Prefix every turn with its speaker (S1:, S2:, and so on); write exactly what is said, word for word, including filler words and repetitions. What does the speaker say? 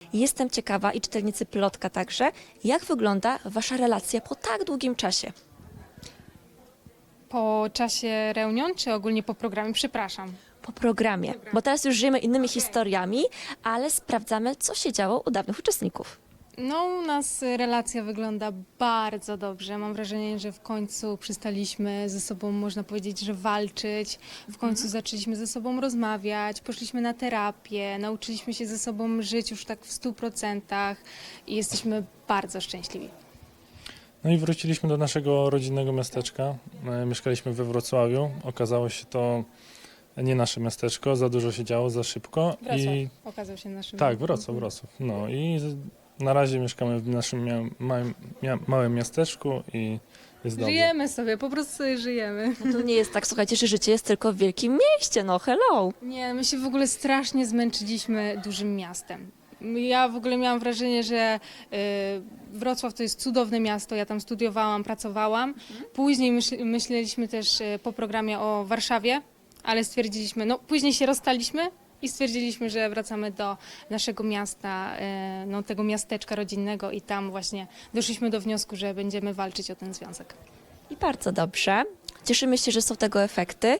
S1: Jestem ciekawa i czytelnicy Plotka także, jak wygląda wasza relacja po tak długim czasie?
S2: Po czasie reunion, czy ogólnie po programie? Przepraszam.
S1: Po programie, bo teraz już żyjemy innymi historiami, ale sprawdzamy, co się działo u dawnych uczestników.
S2: No, u nas relacja wygląda bardzo dobrze. Mam wrażenie, że w końcu przestaliśmy ze sobą, można powiedzieć, że walczyć. W końcu zaczęliśmy ze sobą rozmawiać, poszliśmy na terapię, nauczyliśmy się ze sobą żyć już tak w stu procentach i jesteśmy bardzo szczęśliwi.
S3: No i wróciliśmy do naszego rodzinnego miasteczka. E, Mieszkaliśmy we Wrocławiu. Okazało się to nie nasze miasteczko, za dużo się działo, za szybko.
S2: Wrocław
S3: I
S2: okazał się naszym...
S3: tak, Wrocław, Wrocław. No i z- na razie mieszkamy w naszym mia małym, mia małym miasteczku i jest dobrze.
S2: Żyjemy sobie, po prostu sobie żyjemy.
S1: No to nie jest tak, słuchajcie, że życie jest tylko w wielkim mieście, no hello.
S2: Nie, my się w ogóle strasznie zmęczyliśmy dużym miastem. Ja w ogóle miałam wrażenie, że y, Wrocław to jest cudowne miasto, ja tam studiowałam, pracowałam. Później myśl, myśleliśmy też y, po programie o Warszawie, ale stwierdziliśmy, no później się rozstaliśmy i stwierdziliśmy, że wracamy do naszego miasta, y, no tego miasteczka rodzinnego i tam właśnie doszliśmy do wniosku, że będziemy walczyć o ten związek.
S1: I bardzo dobrze. Cieszymy się, że są tego efekty.